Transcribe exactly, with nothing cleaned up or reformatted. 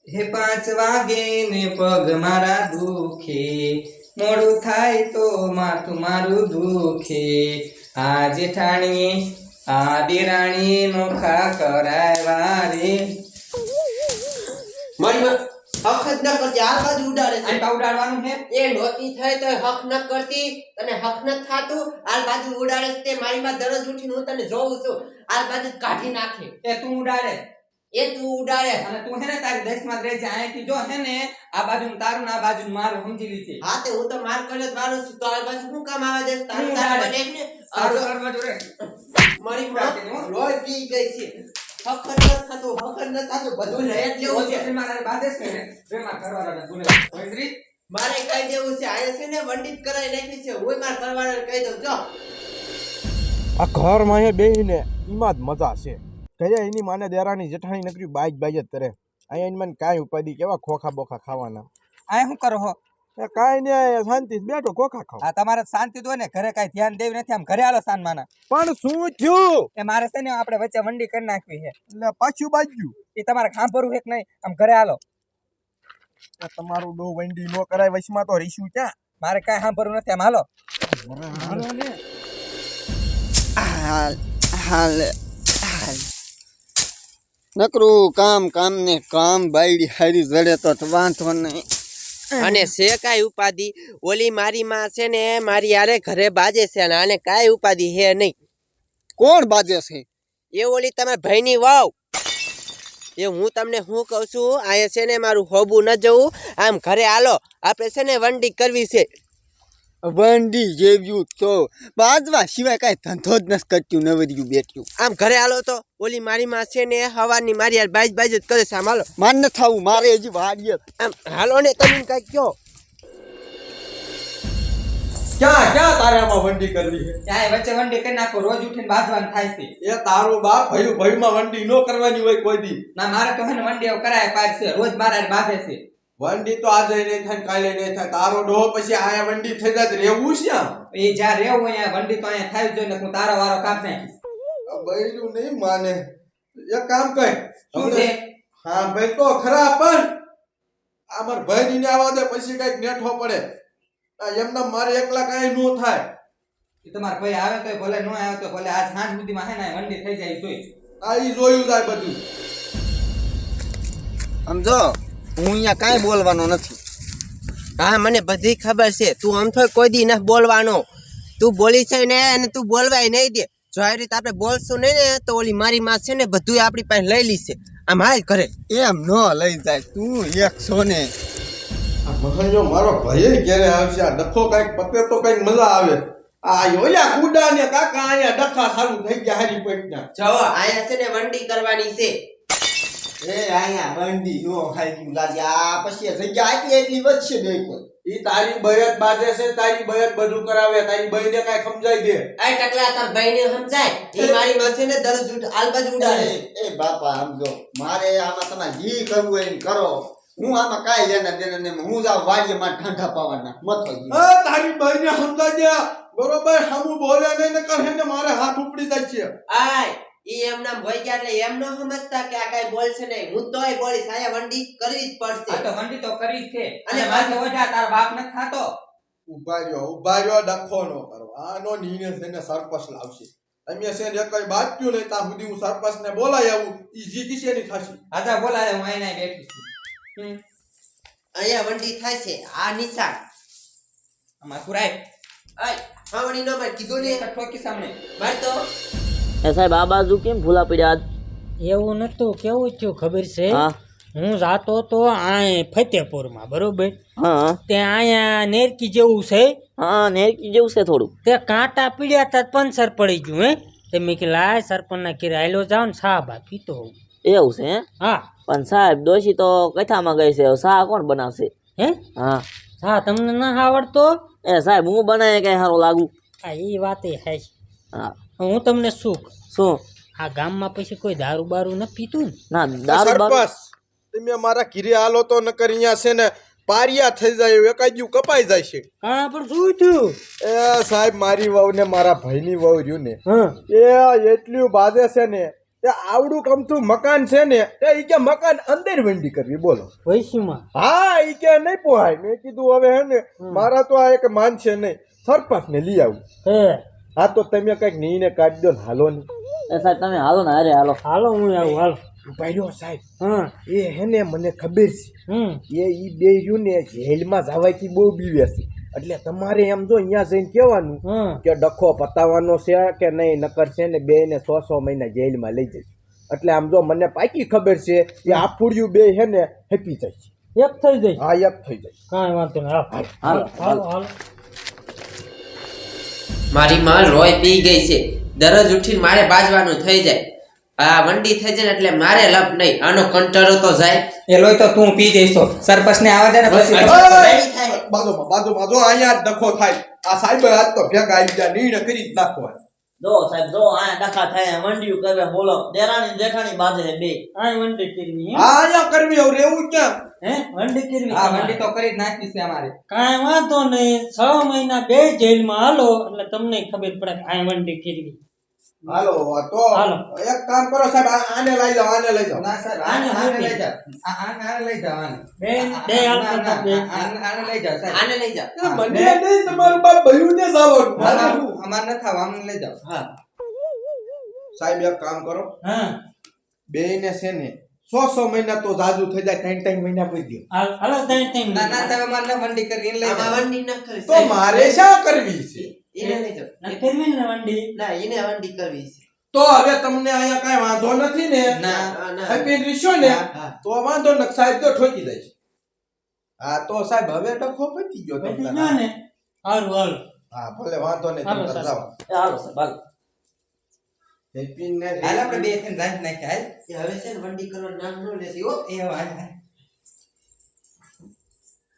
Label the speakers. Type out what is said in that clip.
Speaker 1: હે પાંચ વાગે ને પગ મારા દુખે, મોડું થાય તો માથું મારું દુખે, આ જેઠાણીએ આ દેરાણીએ નોખા કરાવ્યા રે.
Speaker 2: મારી હક જ ન કરતી આ બાજુ ઉડાડે છે.
Speaker 1: આ ઉડાડવાનું છે
Speaker 2: એ નોતી થાય તો હક ન કરતી તને હક ન થાતું આ બાજુ ઉડાડે છે. તે મારી માં દરરોજ ઉઠીને હું તને જોઉં છું આ બાજુ કાઢી નાખે.
Speaker 1: એ તું ઉડાડે
Speaker 2: એ તું ઉડાડે
Speaker 1: અને તું હે ને તારી દસ માં રહે છે. અહીંથી જો હે ને આ બાજુ તારું ને આ બાજુ મારું સમજી લીધી.
Speaker 2: હા તે હું તો માર કર્યો મારું છું તો આ બાજુ શું કામ આવે છે તારું
Speaker 1: હું
Speaker 2: તારું
Speaker 1: ઉડાડે.
Speaker 2: બને ને
Speaker 1: તારું કરવા જો રે.
Speaker 2: મારી માં લોહી પી ગઈ છે. હક જ ન થતું હક જ ન થતું બધું લઈ જ લેવું છે.
Speaker 1: મારા બાધે છે ને પ્રેમા કરવાના ગુને વૈદ્રી
Speaker 2: મારે કઈ દેવું છે આ છે ને વંડિત કરાઈ નાખી છે. હું માર કરવાને કહી દઉં જો
Speaker 3: આ ઘરમાં અહીંયા બેહીને એમાં જ મજા છે. કયા એની માને દેરાની જેઠાણી નકરી બાજ બાજ જ કરે. અહીંયા એની મને કાંઈ ઉપાધિ કેવા ખોખા બોખા ખાવાના.
Speaker 1: આ શું કરો હો?
Speaker 3: એ કાંઈ નહીં શાંતિ બેઠો ખોખા ખાવ.
Speaker 1: આ તમારે શાંતિ તો હોય ને, ઘરે કાંઈ ધ્યાન દેવું નથી. આમ ઘરે આલો સાન માના.
Speaker 3: પણ શું થયું?
Speaker 1: એ મારે છે ને આપણે વચ્ચે વંડી કરી નાખવી છે.
Speaker 3: એટલે પાછું બાજ્યું
Speaker 1: એ તમારે ખાંભરવું છે કે નહીં? આમ ઘરે આલો.
Speaker 3: તમારું ડો વંડી નો કરાય વચમાં તો રીશું ક્યાં?
Speaker 1: મારે કાંઈ સાંભળવું નથી. આમ હાલો.
Speaker 3: હાલો ને.
Speaker 4: હાલ હાલ હાલ નકરું કામ કામ ને કામ બાયડી હારી જડે તો વાંધો નહીં.
Speaker 2: અને છે કાઈ ઉપાધિ ઓલી મારી માં છે ને મારી યારે ઘરે બાજે છે અને આને કાઈ ઉપાધિ હે નહીં.
Speaker 4: કોણ બાજે છે?
Speaker 2: એ ઓલી તમારા ભાઈની વાવ એ હું તમને શું કહું છું આ છે ને મારું હોબું ન જવું આમ ઘરે હાલો આપણે છે ને વંડી કરવી છે.
Speaker 4: વંડી જેવ્યું તો બાજવા સિવાય કાંઈ ધંધો જ નથી કરતું નવર્યું બેઠ્યું.
Speaker 2: આમ ઘરે હાલો તો ઓલી મારી માં છે ને હવાની મારી યાર બાજ બાજ જ કરે છે. આમ હાલો
Speaker 4: માન ન થવું મારે હજી વાડીએ.
Speaker 2: આમ હાલો ને તમે કઈ કયો
Speaker 3: ક્યાં ક્યાં તારે આમાં વંડી કરવી છે?
Speaker 1: ત્યાં વચ્ચે વંડી કરી નાખો. રોજ ઉઠીને બાજવાનું થાય છે.
Speaker 3: એ તારું બાપ ભયું ભયુંમાં વંડી નો કરવાની હોય કોઈ દી.
Speaker 1: ના મારે તો હે ને વંડી એવું કરાય પાડ છે. રોજ મારા બાંધે છે.
Speaker 3: વંડી તો આજે નહીં થાય કાલે નહીં થાય. તારો ડોહો પછી આયા વંડી થઈ જાય રહેવું છે આમ.
Speaker 1: એ જ્યાં રહેવું અહીંયા વંડી તો અહીંયા થાય જ જોઈએ ને. હું તારો વારો કાપ નાખીશ.
Speaker 3: બૈરું નહીં માને. એક કામ કર.
Speaker 1: શું છે?
Speaker 3: હા ભાઈ તો ખરા પણ આમર ભાઈ ને આવા દે પછી કઈક નેઠો પડે. આ એમના મારે એકલા કાંઈ નો થાય.
Speaker 1: એ તમારા ભાઈ આવે તો ભલે ન આવે તો ભલે આજ સાંજ સુધીમાં હે ને વંડી થઈ જાય જોઈ.
Speaker 3: આ ઈ જોયું જાય બધું.
Speaker 4: સમજો હું અહીંયા કાંઈ બોલવાનો નથી.
Speaker 2: હા મને બધી ખબર છે. તું આમ તો કોઈ દી ન બોલવાનો. તું બોલી છે ને અને તું બોલવાય નહીં દે. જો આ રીતે આપણે બોલશું નહીં ને તો ઓલી મારી માં છે ને બધું આપણી પાસે લઈ લીશે. આમ હાલ કરે
Speaker 4: એમ ન લઈ જાય તું એક છો ને.
Speaker 3: આ મહાજો મારો ભાઈ ક્યારે આવશે? આ ડખો કઈક પતે તો કઈક મજા આવે. આ ઓલા કુડા ને કાકા અહીંયા ડખા સારું થઈ ગયા હારી પૈટના.
Speaker 2: જો આયા છે ને વંડી કરવાની છે.
Speaker 4: એ અહીંયા વંડી નો ખાઈ લાગે. આ પછી જગ્યા આપી એટલી વધશે બે કોઈ.
Speaker 3: ઈ તારી બયત બાજે છે. તારી બયત બધું કરાવે. તારી બઈને કાઈ સમજાઈ દે.
Speaker 2: આ ટકલા તાર ભાઈને સમજાય એ મારી માં છે ને દરરોજ ઉઠ આલબાજ ઉડાડે.
Speaker 4: એ બાપા સમજો મારે આમાં તમે જી કરવું હોય ને કરો. હું આમાં કાંઈ લેના દેના ને હું જાવ વાડીએ માં ઠંડા પાવાના મથો.
Speaker 3: એ તારી બઈને સમજાઈ દે. બરોબર હમું બોલે નહીં ને કહે ને મારે હાથ ઉપડી જાય છે.
Speaker 2: આય ઈ એમના ભઈ ગયા એટલે એમ ન સમજતા કે આ કાઈ બોલશે નહીં. હું તોય બોલીશ. આયા વંડી કરવી જ પડશે.
Speaker 1: આ તો વંડી તો કરી જ છે.
Speaker 2: અને
Speaker 1: અને માથે ઓઢા તારા બાપ ન ખાતો.
Speaker 3: ઉભા રહ્યો ઉભા રહ્યો ડખો નો કરો. આનો નિર્ણય થઈને સરપંચ લાવશે. અમે છે ને કઈ બાજ્યું નહીં ત્યાં સુધી હું સરપંચ ને બોલાય આવું. ઈ જીતી છે ની ખાસી.
Speaker 1: આજા બોલાય હું અહીંયા બેઠી છું. હમ.
Speaker 2: આયા વંડી થાય છે. આ નિશાન
Speaker 1: આમાં સુરાય
Speaker 2: આય હાવણી નો માર કીધું ને
Speaker 1: ઠોકી સામે
Speaker 2: માર તો
Speaker 5: એ સાહેબ આ બાજુ કેમ ભૂલા પડ્યા?
Speaker 6: એવું નતું. કેવું થયું ખબર છે?
Speaker 5: હા
Speaker 6: હું જાતો તો આ ફતેપુરમાં બરોબર.
Speaker 5: હા
Speaker 6: ત્યાં અહીંયા નેરકી જેવું છે.
Speaker 5: હા નેરકી જેવું છે થોડું.
Speaker 6: તે કાંટા પીડ્યા તા પંચર પડી ગયું. હે તે મેં કે લાય સરપંચના ઘેરે આયલો જાવ ને સા બા પીતો હોઉં.
Speaker 5: એવું છે હે?
Speaker 6: હા
Speaker 5: પણ સાહેબ ડોશી તો કથામાં ગઈ છે. શાહ કોણ બનાવશે?
Speaker 6: હે
Speaker 5: હા
Speaker 6: હા તમને ના આવડતો?
Speaker 5: એ સાહેબ હું બનાવે કઈ સારું લાગુ?
Speaker 6: હા એ વાત એ છે.
Speaker 5: હા
Speaker 6: હું તમને શું કહું?
Speaker 5: શું?
Speaker 6: આ ગામમાં પછી કોઈ દારૂ બારૂ ન પીતું ને?
Speaker 5: ના દારૂ બારૂ
Speaker 3: સરપંચ તમે મારા ઘીરે હાલો તો નકર અહીંયા છે ને પારિયા થઈ જાય એકાજ્યું કપાઈ જાય છે.
Speaker 6: હા પણ શું થયું?
Speaker 3: એ સાહેબ મારી વહુ ને મારા ભાઈની વહુ રહ્યું ને
Speaker 6: હા
Speaker 3: એ એટલું બાજે છે ને તે આવડું કમતું મકાન છે ને તે ઈ કે મકાન અંદર વંડી કરવી બોલો
Speaker 6: વૈશ્યમાં
Speaker 3: હા ઈ કે નહીં પોહાય મેં કીધું હવે હે ને મારા તો આ એક માન છે નહીં સરપંચ ને લઈ આવું
Speaker 6: હે
Speaker 3: હા તો તમે કઈક નીને કાઢી દો ને હાલો ને
Speaker 5: એ સાહેબ તમે હાલો ને અરે હાલો
Speaker 6: હાલો હું આવું હાલો
Speaker 3: ઉભા રહ્યો સાહેબ
Speaker 6: હા
Speaker 3: એ હે ને મને ખબર
Speaker 6: હમ
Speaker 3: છે એ ઈ બે રહ્યું ને જેલમાં જવાથી બહુ બીવે છે એટલે તમારે એમ જો અહીંયા જઈને કહેવાનું
Speaker 6: હમ
Speaker 3: કે ડખો પતાવવાનો છે કે નહીં નકર છે ને બે ને સો સો મહિના જેલમાં લઈ જઈશ એટલે આમ જો મને પાકી ખબર છે કે આ ફૂડિયું બે હે ને હેપી જાય છે
Speaker 6: એક થઈ જાય
Speaker 3: હા એક થઈ જાય
Speaker 6: કાંઈ વાંધો નહીં હાલો
Speaker 5: હાલો
Speaker 6: હાલો હાલો
Speaker 2: મારી માં લોહી પી ગઈ છે દરરોજ ઉઠીને મારે બાજવાનું થઈ જાય આ વંડી થઈ જાય ને એટલે મારે લપ નહીં આનો કંટાળો તો જાય
Speaker 1: એ લોહી તો તું પી જઈશો સરપંચ ને આવવા દે ને પછી
Speaker 3: બાજુમાં બાજુમાં જો અહીંયા જ ડખો થાય આ સાહેબ આજ તો ભેગા આવી ગયા નિર્ણય કરી જ નાખવા
Speaker 5: જો સાહેબ જો આ ડખા થાય મંડિયું કરે બોલો દેરાણી જેઠાણી બાજે બે
Speaker 6: આ વંડી કરવી હે?
Speaker 3: હા અહીંયા કરવી હવે રહેવું ક્યાં
Speaker 6: હે વંડી કરવી
Speaker 1: આ
Speaker 6: તમારે?
Speaker 1: વંડી તો કરી જ નાખી છે અમારે
Speaker 6: કાંઈ વાંધો નહીં છ મહિના બે જેલમાં હાલો એટલે તમને ખબર પડે કે આ વંડી કરવી
Speaker 3: હાલો તો
Speaker 6: હાલો.
Speaker 3: એક કામ કરો સાહેબ આ- આને લઈ જાઓ આને લઈ જાઓ
Speaker 1: ના સર
Speaker 6: આને
Speaker 1: આને આને
Speaker 6: મૂકી.
Speaker 1: લઈ જાઓ આ- આને આને લઈ જાઓ આને
Speaker 6: બે બે હાલતો
Speaker 1: ના, ના,
Speaker 6: બે
Speaker 1: આને આને લઈ જાઓ સાહેબ
Speaker 2: આને લઈ જાઓ
Speaker 3: એ મને નહીં તમારું બાપ ભયું ને જવાનું
Speaker 1: ના, ના, અમારે ન થાવ આમને લઈ જાઓ
Speaker 2: હા
Speaker 3: સાહેબ એક કામ કરો
Speaker 6: હા
Speaker 3: બે ને છે ને સો સો મહિના તો જાજુ થઈ જાય ત્રણ ત્રણ મહિના પૂરી દો
Speaker 6: હાલ હાલો ત્રણ ત્રણ
Speaker 1: ના ના સાહેબ અમારે ન વંડી કરવી એને લઈ
Speaker 2: આમાં
Speaker 1: જાઓ
Speaker 2: વંડી ન કરી
Speaker 3: તો મારે શા કરવી છે
Speaker 2: એને લઈ જાઓ
Speaker 6: ના કરવી ને વંડી
Speaker 2: ના એને વંડી કરવી છે
Speaker 3: તો હવે તમને અહીંયા કઈ વાંધો નથી ને
Speaker 1: ના
Speaker 2: ના, ના.
Speaker 3: હેપી રીશો ને
Speaker 2: હા.
Speaker 3: તો વાંધો ન સાહેબ તો ઠોકી દઈશ હા તો સાહેબ હવે ડખો પતી ગયો
Speaker 6: બધી
Speaker 3: તમને
Speaker 6: ના ને હારું હાલો
Speaker 3: હા ભલે વાંધો નહીં
Speaker 6: હાલો,
Speaker 3: તમે
Speaker 6: સાહેબ.
Speaker 3: જાઓ
Speaker 5: એ હાલો સાહેબ હાલો
Speaker 3: હેપી ને
Speaker 1: હાલ આપણે બે થઈને રાખ નાખ્યા હાલ
Speaker 2: એ હવે છે ને વંડી કરવાનું નામ ન લેતી હો
Speaker 1: એ હાલ હાલ